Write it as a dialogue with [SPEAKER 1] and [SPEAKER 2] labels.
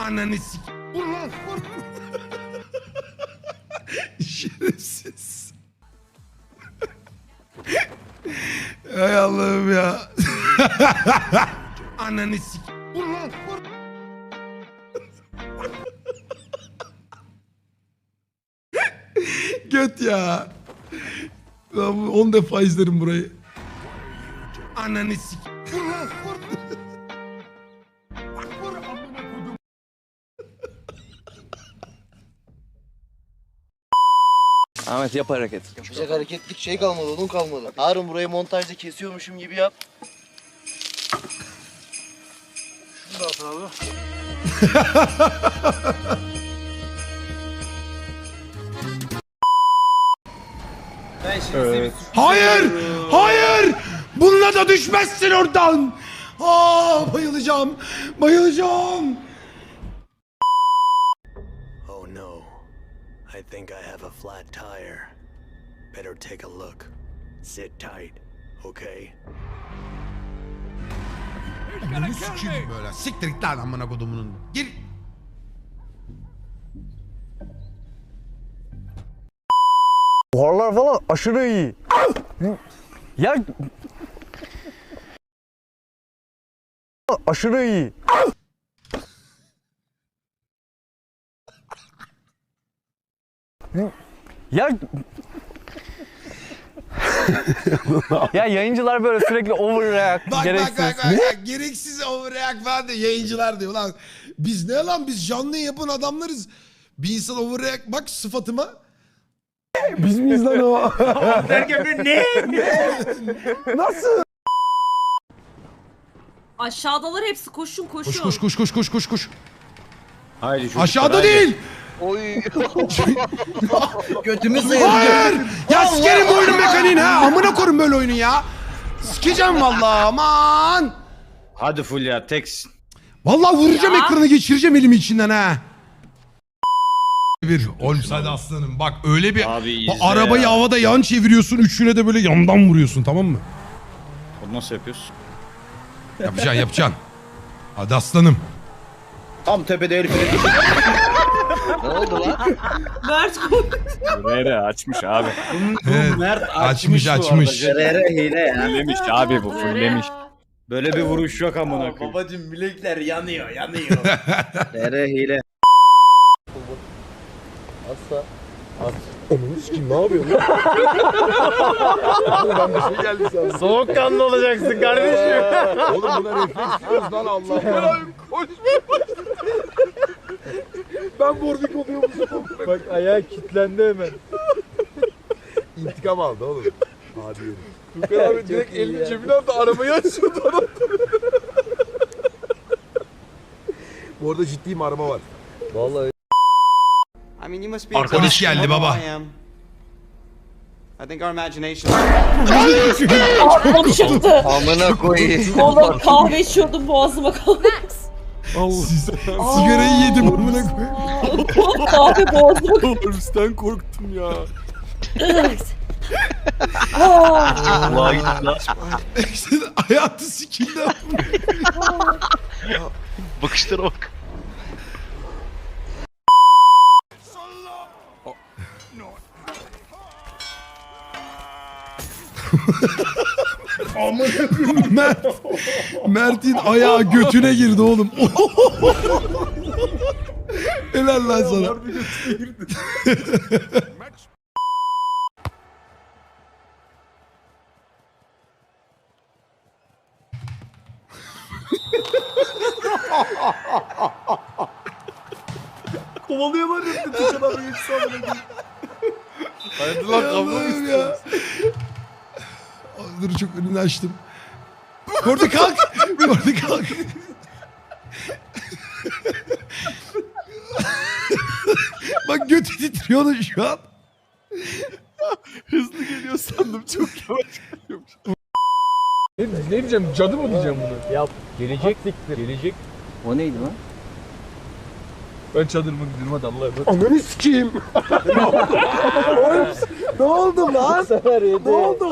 [SPEAKER 1] Ananı sik. Vur lan vur. Şerefsiz. Hay Allah'ım ya. Ananı sik. Vur lan vur. Göt ya. Ben 10 defa izlerim burayı. Ananı sik. Vur lan vur. Vur amına kodum.
[SPEAKER 2] Ahmet yap hareket.
[SPEAKER 3] Yapacak hareketlik şey kalmadı, onun kalmadı. Harun burayı montajda kesiyormuşum gibi yap. Şunu da at abi.
[SPEAKER 2] Evet.
[SPEAKER 1] Hayır! Hayır! Bununla da düşmezsin oradan! Aa, bayılacağım! Bayılacağım!
[SPEAKER 4] Oh no. I think I have a flat tire. Better take a look. Sit tight, okay?
[SPEAKER 1] Bunu sikeyim böyle. Siktir git lan amına kodumunun. Gir.
[SPEAKER 5] Buharlar falan aşırı iyi. Ya aşırı iyi. Ya ya yayıncılar böyle sürekli overreact,
[SPEAKER 1] Bak
[SPEAKER 5] gereksiz.
[SPEAKER 1] bak. Gereksiz overreact falan diyor. Yayıncılar diyor. Lan biz ne lan? Biz canlı yapan adamlarız. Bir insan overreact. Bak sıfatıma.
[SPEAKER 5] Biz miyiz lan o?
[SPEAKER 6] Derken ne?
[SPEAKER 5] Nasıl?
[SPEAKER 7] Aşağıdalar hepsi koşun koşun.
[SPEAKER 1] Koş.
[SPEAKER 2] Haydi çocuklar,
[SPEAKER 1] Aşağıda
[SPEAKER 2] haydi.
[SPEAKER 1] değil.
[SPEAKER 3] Oy. Götümü sıyırdı.
[SPEAKER 1] Hayır. Ya sikerim bu oyunun mekaniğini ha. Amına koyayım böyle oyunu ya. Sikeceğim vallahi aman.
[SPEAKER 2] Hadi Fulya teksin.
[SPEAKER 1] Vallahi vuracağım
[SPEAKER 7] Ya.
[SPEAKER 1] ekranı geçireceğim elimi içinden ha. Bir Olms hadi aslanım bak öyle bir
[SPEAKER 2] Abi
[SPEAKER 1] bak,
[SPEAKER 2] izle
[SPEAKER 1] arabayı
[SPEAKER 2] ya.
[SPEAKER 1] havada yan çeviriyorsun üçüne de böyle yandan vuruyorsun tamam mı?
[SPEAKER 2] Bunu nasıl yapıyorsun?
[SPEAKER 1] Yapacaksın. Hadi aslanım.
[SPEAKER 2] Tam tepede el freni.
[SPEAKER 3] Ne oldu lan?
[SPEAKER 7] Mert koş.
[SPEAKER 2] Rere açmış abi.
[SPEAKER 1] Evet,
[SPEAKER 2] Mert
[SPEAKER 1] açmış.
[SPEAKER 3] Rere hile ya.
[SPEAKER 2] Fullemiş abi bu fullemiş. Böyle bir vuruş yok amına koyayım.
[SPEAKER 6] Babacım bilekler yanıyor.
[SPEAKER 3] Rere hile. Asla.
[SPEAKER 5] Soğukkanlı olacaksın kardeşim.
[SPEAKER 8] Oğlum buna refleks diyoruz lan Allah. Ben Warwick oluyormuşum.
[SPEAKER 5] Bak ayağı kilitlendi hemen.
[SPEAKER 8] İntikam aldı oğlum. Hadi yürü. Tukan abi direkt elini cebine aldı arabayı açıyordu adam. Bu arada ciddiyim araba var.
[SPEAKER 5] Vallahi
[SPEAKER 1] Polis geldi baba.
[SPEAKER 6] I think our imagination.
[SPEAKER 7] Aklım çıktı.
[SPEAKER 3] Amına koyayım.
[SPEAKER 7] Oğlum kahve içiyordum boğazıma kaldı.
[SPEAKER 1] Sigarayı yedim amına koyayım.
[SPEAKER 7] Oğlum kahve boğazıma kaldı.
[SPEAKER 2] Polisten korktum ya.
[SPEAKER 7] Aa,
[SPEAKER 1] Hayatı sikildi.
[SPEAKER 9] Bakışlara bak.
[SPEAKER 1] Mert'in ayağı götüne girdi oğlum. Helal lan sana.
[SPEAKER 8] Kovalıyorlar ya Tukan abi geçti amına.
[SPEAKER 1] Haydi lan kavga ya. Dur çok önünü açtım. Kordi kalk. Kordi kalk. Bak götü titriyor da şu an.
[SPEAKER 2] Hızlı geliyor sandım çok yavaş geliyormuş.
[SPEAKER 8] Ne diyeceğim cadı mı diyeceğim bunu?
[SPEAKER 5] yap. Gelecek siktir. Gelecek.
[SPEAKER 2] O neydi lan?
[SPEAKER 8] Ben çadırıma gidiyorum hadi Allah'a emanet.
[SPEAKER 5] Ananı sikeyim. Ne oldu lan? Ne oldu?